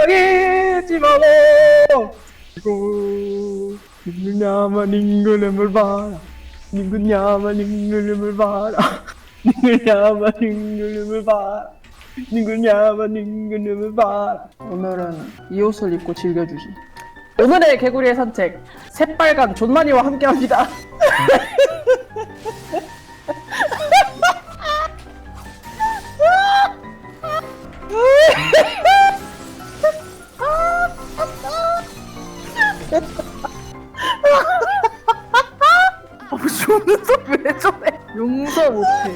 포기하지 말고 이고 닝글냐마 닝글름을 봐라 닝글냐마 닝글름을 봐라 닝글냐마 닝글름을 봐라 닝글냐마 닝글름을 봐라. 오늘은 이 옷을 입고 즐겨주지. 오늘의 개구리의 산책 새빨간 존마니와 함께합니다. 용서 왜 저래? 용서 못해.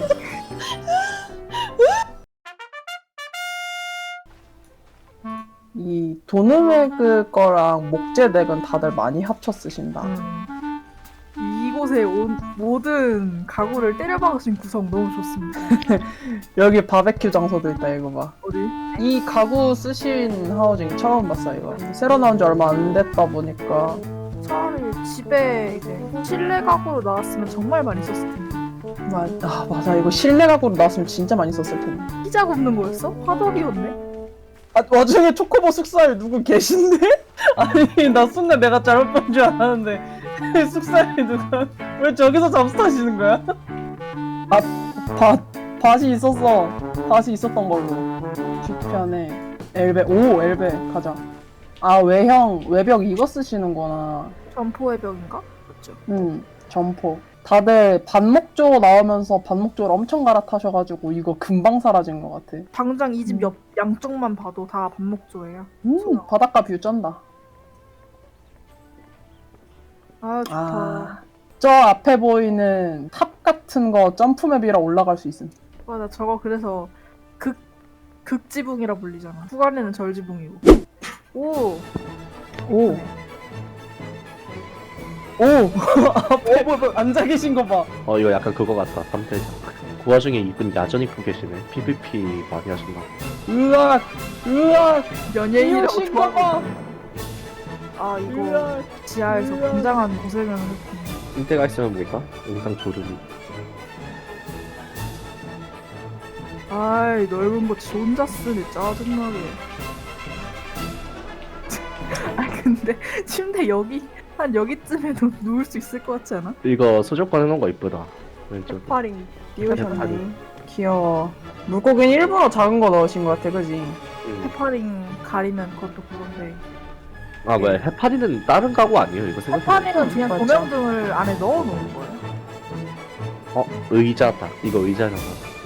이 도누메그 거랑 목재덱은 다들 많이 합쳐 쓰신다. 이곳에 온 모든 가구를 때려박으신 구성 너무 좋습니다. 여기 바베큐 장소도 있다. 이거 봐. 어디? 이 가구 쓰신 하우징 처음 봤어. 이거 새로 나온 지 얼마 안 됐다 보니까. 차라리 집에 이제 실내 가구로 나왔으면 정말 많이 썼을 텐데. 맞아. 이거 실내 가구로 나왔으면 진짜 많이 썼을 텐데. 피자 굽는 거였어? 화덕이었네? 아, 와중에 초코보 숙사에 누구 계신데? 아니, 나 순간 내가 잘못 본 줄 알았는데 숙사에 누가 왜 저기서 잠수타시는 거야? 밭이 있었어. 밭이 있었던 걸로. 뒤편에 엘베 가자. 아, 외벽 이거 쓰시는구나. 점포의 벽인가? 그렇죠. 점포. 다들 반목조 나오면서 반목조를 엄청 갈아타셔가지고 이거 금방 사라진 것 같아. 당장 이 집 옆 양쪽만 봐도 다 반목조예요. 바닷가 뷰 쩐다. 아 좋다. 저 앞에 보이는 탑 같은 거 점프맵이라 올라갈 수 있음. 맞아, 저거 그래서 극지붕이라 불리잖아. 후간에는 절지붕이고. 오. 앞에 앉아 계신 거 봐. 이거 약간 그거 같다. 3대장. 그 와중에 이분 야전 입고 계시네. PVP 많이 하셨나? 으악. 연예인이라고 이러신 거 봐. 좋아하는. 아 이거 지하에서 굉장한 고생을 했군. 인대가 있으면 뭐니까? 영상 조르기. 아이 넓은 거 지 혼자 쓰네, 짜증나게. 아 근데 침대 한 여기쯤에도 누울 수 있을 것 같지 않아? 이거 소조건 해놓은 거 이쁘다. 왼쪽. 파링 띄우셨네. 귀여워. 물고기는 일부러 작은 거 넣으신 것 같아, 그지? 해파링 가리면 그것도 그건데. 아 뭐야, 해파리는 다른 가구 아니에요? 이거 생각해보니까. 해파링은 그냥 맞죠. 조명등을 안에 넣어놓은 거예요. 의자다. 이거 의자잖아.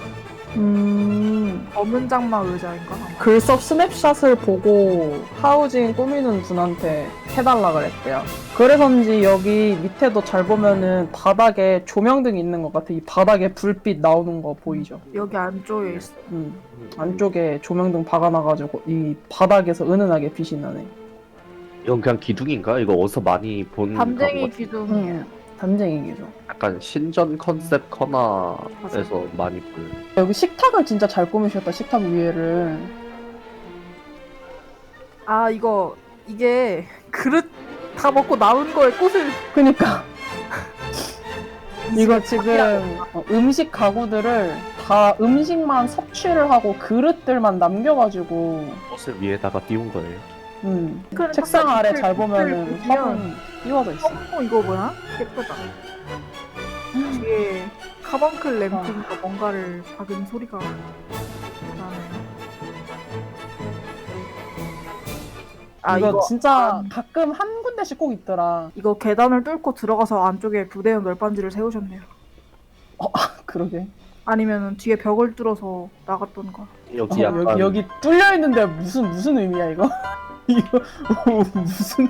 검은 장막 의자인가? 아마. 글섭 스냅샷을 보고 하우징 꾸미는 분한테 해달라 그랬대요. 그래서인지 여기 밑에도 잘 보면은 바닥에 조명등이 있는 것 같아. 이 바닥에 불빛 나오는 거 보이죠? 여기 안쪽에 있어. 안쪽에 조명등 박아놔가지고 이 바닥에서 은은하게 빛이 나네. 이건 그냥 기둥인가? 이거 어디서 많이 본 담쟁이 가구 같아. 기둥이에요. 담쟁이기죠. 약간 신전 컨셉 커나에서 많이 볼. 여기 식탁을 진짜 잘 꾸미셨다. 식탁 위에를. 아 이게 그릇 다 먹고 남은 거에 꽃을. 그니까 이거 지금 음식 가구들을 다 음식만 섭취를 하고 그릇들만 남겨가지고 옷을 위에다가 띄운 거예요. 그릇 책상 딱 아래 밑을- 잘 보면은 밑을 보면 화분 띄워져 있어. 이거 뭐야? 예쁘다. 뒤에 카방클 램프인가 뭔가를 박은 소리가 나네. 이거 진짜 가끔 한 군데씩 꼭 있더라. 이거 계단을 뚫고 들어가서 안쪽에 부대형 널빤지를 세우셨네요. 그러게. 아니면 뒤에 벽을 뚫어서 나갔던가. 여기 약간 여기 뚫려 있는데 무슨 의미야 이거? 이거 무슨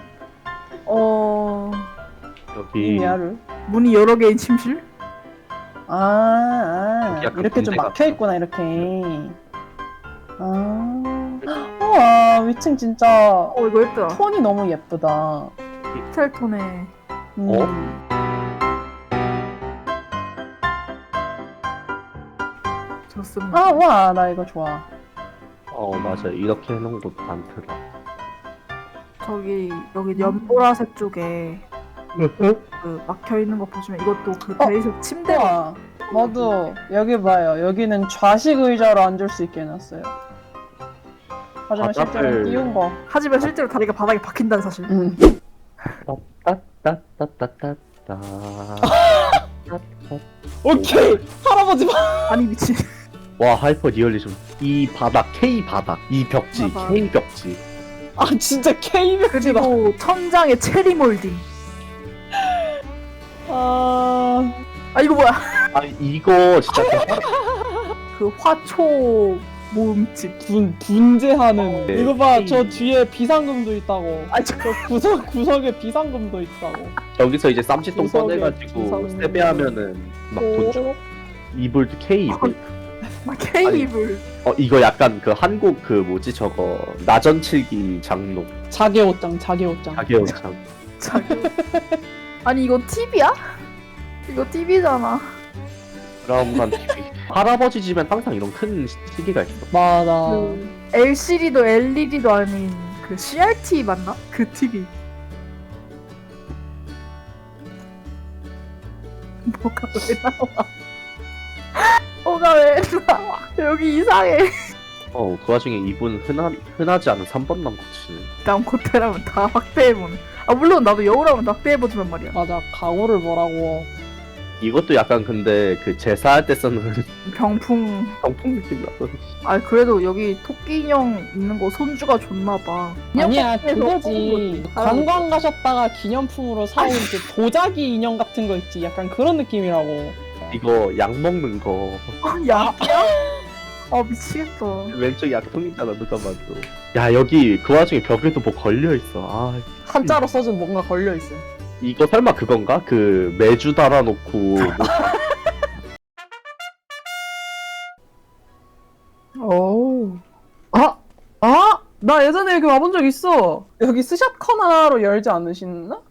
여기 의미야를? 문이 여러 개인 침실? 약간 이렇게 좀 군대 막혀 있구나 이렇게. 와 위층 진짜 이거 예쁘다. 톤이 너무 예쁘다. 피스텔톤에. 좋습니다. 와 나 이거 좋아. 맞아. 이렇게 해놓은 곳 많더라. 여기 연보라색 쪽에 그 막혀 있는 거 보시면 이것도 그 베이스 침대가. 우와 나도 여기 봐요. 여기는 좌식 의자로 앉을 수 있게 해놨어요. 하지만 실제로 띄운 거. 하지만 실제로 다리가 바닥에 박힌다는 사실. 따따따따따따. 오케이 할아버지 봐. 아니 미친. 와 하이퍼 리얼리즘. 이 바닥 K 바닥 이 벽지 바닥. K 벽지. 아 진짜 K벽지다. 그리고 천장에 체리 몰딩. 아 아 이거 뭐야? 아 이거 진짜 그 화초 모음집. 분재하는. 네. 이거 봐, 저 뒤에 비상금도 있다고. 아 저 구석에 비상금도 있다고. 여기서 이제 쌈짓돈 구석에 꺼내가지고 구석에 세배하면은 막 돈 줘. 이불도 K 이불. 케이블. 이거 약간 그 한국 그 뭐지 저거 나전칠기 장로 자개 옷장, 자개 옷장. 자개영장. 아니 이거 TV야? 이거 TV잖아. 브라운관 TV. 할아버지 집엔 항상 이런 큰 시계가 있어. 맞아. 그 LCD도 LED도 아닌 그 CRT 맞나? 그 TV. 뭐가 왜 나와? 뭐가 왜 나와? 여기 이상해. 그 와중에 이분 흔하지 않은 3번 남고치네. 남코테라면 다 확대해보네. 아 물론 나도 여우라면 다 확대해보지만 말이야. 맞아. 강호를 뭐라고. 이것도 약간 근데 그 제사할 때 쓰는 병풍. 병풍 느낌 나서. 아 그래도 여기 토끼 인형 있는 거 손주가 줬나봐. 아니야, 그거지. 관광 가셨다가 기념품으로 사온 그 도자기 인형 같은 거 있지. 약간 그런 느낌이라고. 이거 약 먹는 거. 야. 아 미치겠다. 왼쪽 약통이잖아 누가 봐도. 야 여기 그 와중에 벽에도 뭐 걸려 있어. 아 한자로 써준 뭔가 걸려 있어. 이거 설마 그건가? 그 매주 달아놓고 오. 나 예전에 여기 와본 적 있어. 여기 스샷 커나로 열지 않으시나?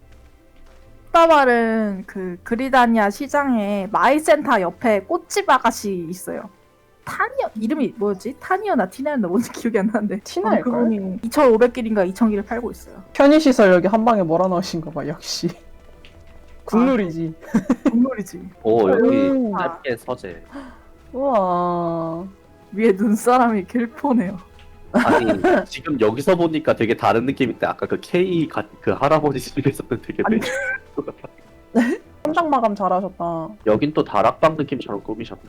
따발은 그 그리다니아 시장에 마이센터 옆에 꽃집 아가씨 있어요. 타니어 이름이 뭐였지? 타니어나 티나였나 뭔지 기억이 안 나는데 티나일걸? 그분이 2,500길인가 2,000길을 팔고 있어요. 편의시설 여기 한 방에 몰아넣으신 거 봐. 역시. 국룰이지. 국룰이지. 여기 오. 짧게 서재. 우와. 위에 눈사람이 길포네요. 아니 지금 여기서 보니까 되게 다른 느낌인데 아까 그 그 할아버지 집에서는 되게 아니. 현장 마감 잘하셨다. 여긴 또 다락방 느낌처럼 꾸미셨네.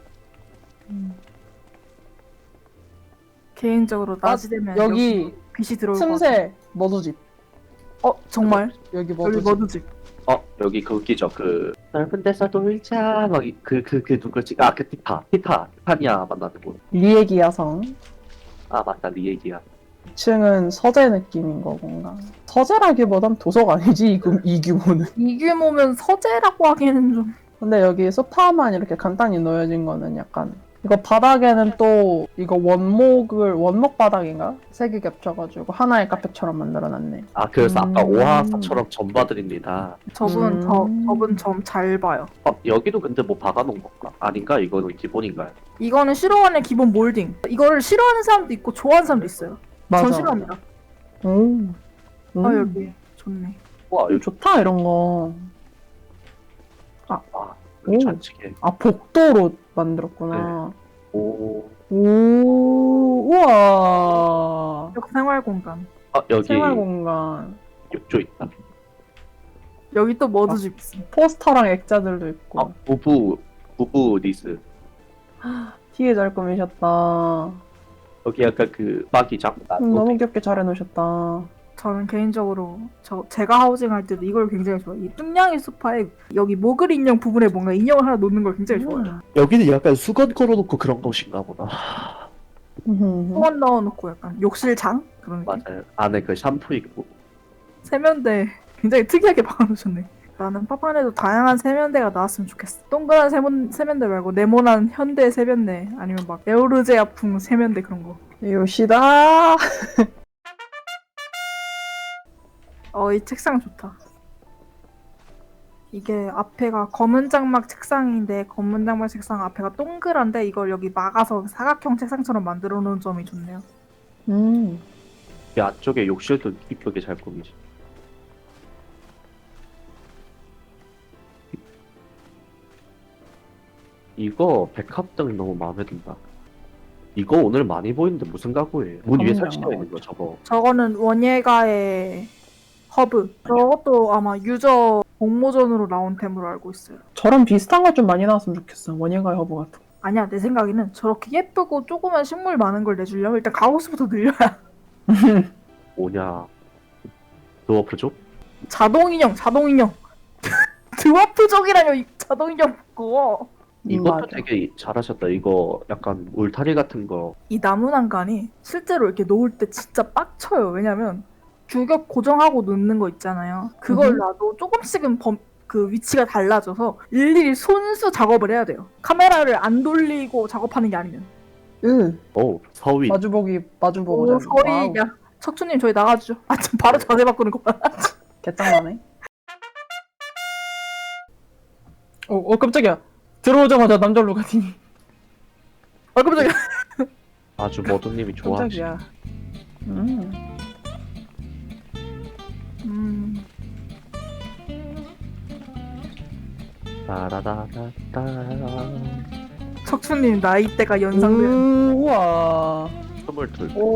개인적으로 낮이 되면 여기 빛이 들어올 것 같아. 틈새 머두집. 정말? 여기 여기 머두집. 머드집. 여기 그 웃기죠. 그 넓은 데서 놀자 막그 누구지? 그 티타니아 만나는 곳. 리에기 야성. 아 맞다 네 얘기야. 2층은 서재 느낌인 거군가. 서재라기보단 도서가 아니지 이 규모는. 이 규모면 서재라고 하기에는 좀. 근데 여기 소파만 이렇게 간단히 놓여진 거는 약간 이거 바닥에는 또 이거 원목 바닥인가? 세 개 겹쳐가지고 하나의 카페처럼 만들어놨네. 아 그래서 아까 음. 오하사처럼 전봐드립니다. 저분 저분 점 잘 봐요. 여기도 근데 뭐 박아놓은 건가? 아닌가? 이거는 기본인가요? 이거는 싫어하는 기본 몰딩. 이거를 싫어하는 사람도 있고 좋아하는 사람도 있어요. 전 싫어합니다. 오. 아 여기 좋네. 와 이거 좋다 이런 거. 여기 오. 잔치게. 복도로 만들었구나. 오. 오. 우와. 여기 생활 공간. 여기 생활 공간. 욕조 있다. 여기 또 머드집 있어. 포스터랑 액자들도 있고. 부부 리스. 되게 잘 꾸미셨다. 여기 약간 그 마기장. 너무 귀엽게 잘 해놓으셨다. 저는 개인적으로 제가 하우징 할 때도 이걸 굉장히 좋아해요. 이 뚱냥이 소파에 여기 모글 인형 부분에 뭔가 인형을 하나 놓는 걸 굉장히 좋아해요. 여기는 약간 수건 걸어놓고 그런 곳인가 보다. 소원 넣어놓고 약간 욕실장? 그런 느낌. 맞아요. 안에 그 샴푸 있고. 세면대 굉장히 특이하게 박아놓으셨네. 나는 파판에도 다양한 세면대가 나왔으면 좋겠어. 동그란 세면대 말고 네모난 현대 세면대 아니면 막 에오르제아풍 세면대 그런 거. 요시다. 이 책상 좋다. 이게 앞에가 검은 장막 책상인데 검은 장막 책상 앞에가 동그란데 이걸 여기 막아서 사각형 책상처럼 만들어 놓은 점이 좋네요. 이 안쪽에 욕실도 이쁘게 잘 꾸미지. 이거 백합등 너무 마음에 든다. 이거 오늘 많이 보이는데 무슨 가구예요? 문 위에 그럼요. 설치되어 있는 거 저거. 저거는 원예가의 허브. 저것도 아마 유저 공모전으로 나온 템으로 알고 있어요. 저런 비슷한 거 좀 많이 나왔으면 좋겠어. 원예가의 허브 같은 거. 아니야, 내 생각에는 저렇게 예쁘고 조그만 식물 많은 걸 내주려면 일단 가구수부터 늘려야. 뭐냐? 드워프족? 자동인형. 드와프족이라뇨, 이 자동인형 그거. 이것도 맞아. 되게 잘하셨다. 이거 약간 울타리 같은 거. 이 나무 난간이 실제로 이렇게 놓을 때 진짜 빡쳐요. 왜냐면 규격 고정하고 놓는 거 있잖아요. 그걸 놔도 조금씩은 그 위치가 달라져서 일일이 손수 작업을 해야 돼요. 카메라를 안 돌리고 작업하는 게 아니면. 오, 서위. 마주보고 오, 자는 소리. 야, 척추님 저희 나가주죠. 아, 지금 바로 자세 바꾸는 거 봐. 개짱나네. 깜짝이야. 들어오자마자 남자 루가티니. 깜짝이야. 아주 머드님이 좋아하시. 깜짝이야. 따라다라따. 척추님 나이대가 연상돼요. 우와. 22. 오.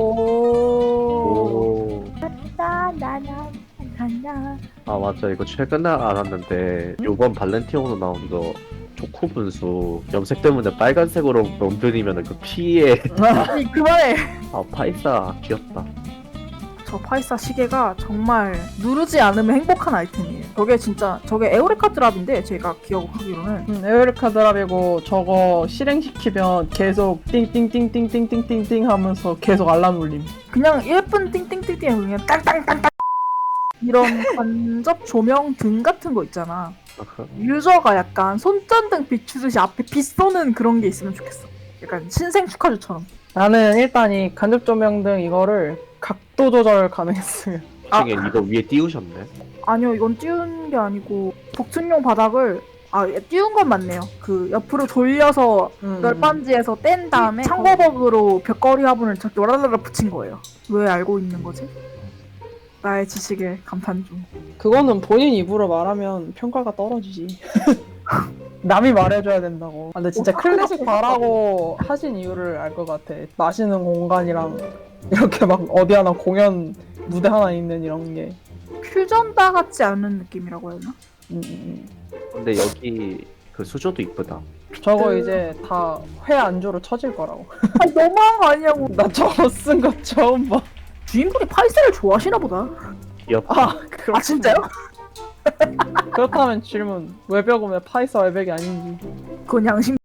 오. 나나나나나. 아 맞아 이거 최근에 알았는데 요번 발렌티노로 나온 거 초코 분수 염색 때문에 빨간색으로 넘들이면 그 피에 아니 그만해. 아 파이사 귀엽다. 저 파이사 시계가 정말 누르지 않으면 행복한 아이템이에요. 저게 에오레카 드랍인데 제가 기억하기로는 에어리카 드랍이고 저거 실행시키면 계속 띵띵띵띵띵띵띵띵 하면서 계속 알람 울림. 그냥 예쁜 띵띵띵띵 그냥 땅땅땅땅 이런 간접 조명 등 같은 거 있잖아. 유저가 약간 손전등 비추듯이 앞에 빛 쏘는 그런 게 있으면 좋겠어. 약간 신생 축하주처럼. 나는 일단 이 간접 조명 등 이거를 각도 조절 가능했으면. 중에 이거 위에 띄우셨네. 아니요, 이건 띄운 게 아니고 복층용 바닥을 띄운 건 맞네요. 그 옆으로 돌려서 널빤지에서 뗀 다음에 창고버그로 벽걸이 화분을 저렇게 와라라라 붙인 거예요. 왜 알고 있는 거지? 나의 지식에 감탄 중. 그거는 본인 입으로 말하면 평가가 떨어지지. 남이 말해줘야 된다고. 근데 진짜 클래식 바라고 하신 이유를 알 것 같아. 마시는 공간이랑 이렇게 막 어디 하나 공연 무대 하나 있는 이런 게. 퓨전바 같지 않은 느낌이라고 해야 되나? 근데 여기 그 수조도 이쁘다. 저거 이제 다 회 안주로 쳐질 거라고. 아, 너무한 거 아니냐고. 나 저거 쓴 거 처음 봐. 주인분이 파이세를 좋아하시나 보다. 귀엽다. 아 진짜요? 그렇다면 질문. 외벽은 왜 파이사 외벽이 아닌지. 그건 양심.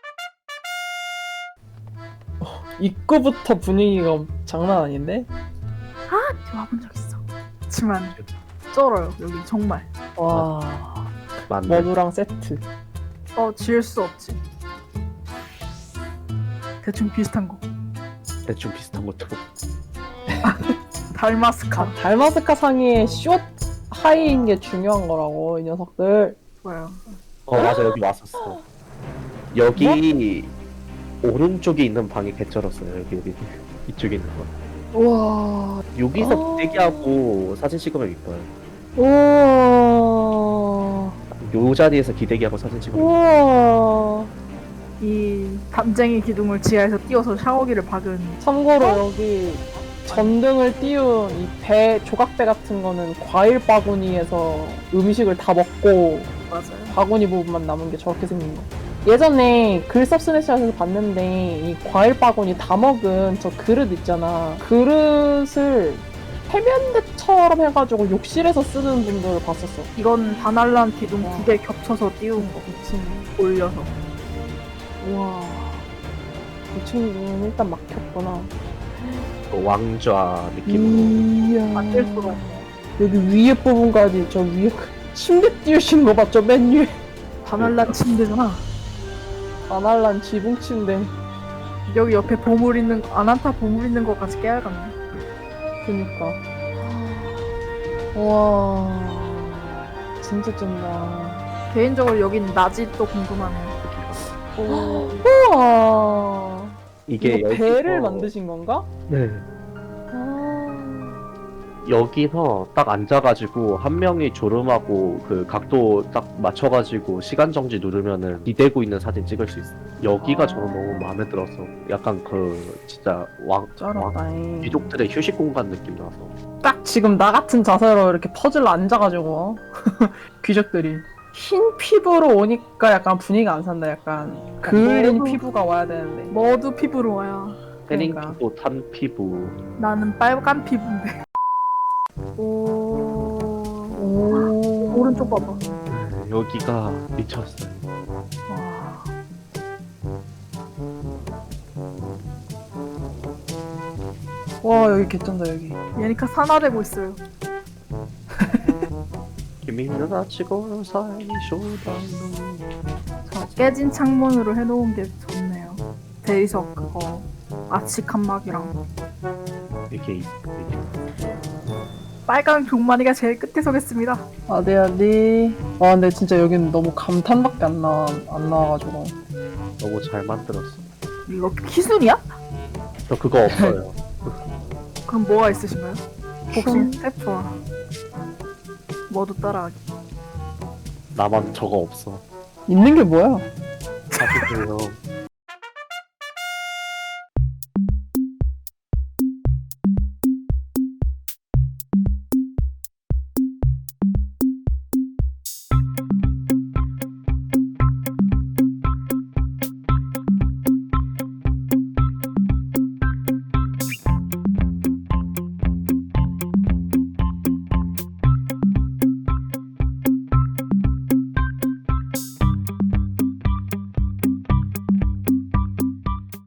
입구부터 분위기가 장난 아닌데? 와본 적 있어. 그렇지만 쩔어요 여기 정말. 와. 맞네. 머누랑 세트. 지을 수 없지. 대충 비슷한 거. 대충 비슷한 것처럼. 달마스카. 달마스카 상의의 숏 하이인 게 중요한 거라고 이 녀석들. 뭐야? 맞아 여기 왔었어. 여기 오른쪽에 있는 방이 개쩔었어요. 여기 이쪽에 있는 거. 우와. 여기서 기대기하고 사진 찍으면 이뻐요. 우와. 요 자리에서 기대기하고 사진 찍으면 우와. 이 담쟁이 기둥을 지하에서 띄워서 샤워기를 박은. 참고로 여기 전등을 띄운 이 배, 조각배 같은 거는 과일 바구니에서 음식을 다 먹고 맞아요. 바구니 부분만 남은 게 저렇게 생긴 거. 예전에 글섭스네시아에서 봤는데 이 과일 바구니 다 먹은 저 그릇 있잖아. 그릇을 세면대처럼 해가지고 욕실에서 쓰는 분들을 봤었어. 이건 바날란 기둥 2개 겹쳐서 띄운 거. 미친. 올려서. 우와. 이 친구는 일단 막혔구나. 왕좌 느낌으로. 이야. 안될 수가 없네. 여기 위에 부분까지 저 위에 침대 띄우신 거 봤죠? 맨 위에. 바날란 침대잖아. 바날란 지붕 침대. 여기 옆에 보물 있는 아난타 보물 있는 것까지 깨알같네. 그니까. 와. 진짜 쩐다. 개인적으로 여긴 낮이 또 궁금하네. 우와. 이게 이거 배를 만드신 건가? 네. 아. 여기서 딱 앉아가지고 한 명이 졸음하고 그 각도 딱 맞춰가지고 시간 정지 누르면은 기대고 있는 사진 찍을 수 있어. 여기가 저는 너무 마음에 들어서 약간 그 진짜 왕 쩔었다잉. 귀족들의 휴식 공간 느낌 나서. 딱 지금 나 같은 자세로 이렇게 퍼즐 앉아가지고 귀족들이 흰 피부로 오니까 약간 분위기가 안 산다. 약간 그을린 너무- 피부가 와야 되는데. 모두 피부로 와야. 태닝 그러니까. 피부, 탄 피부. 나는 빨간 피부인데. 오. 오. 오른쪽 봐봐. 여기가 미쳤어요. 와. 와 여기 개쩐다 여기. 얘니까 산화되고 있어요. 김민우 다치고 사이쇼다노. 자, 깨진 창문으로 해놓은 게 좋네요. 대리석 그거 아치 칸막이랑 이게 빨강 종마리가 제일 끝에 서겠습니다. 어디 어디. 와 근데 진짜 여기는 너무 감탄밖에 안 나와가지고. 너무 잘 만들었어. 이거 기술이야? 저 그거 없어요. 그럼 뭐가 있으신가요? 복싱 춤. 스텝 좋아. 모두 따라하기. 나만 저거 없어. 있는 게 뭐야? 사실요.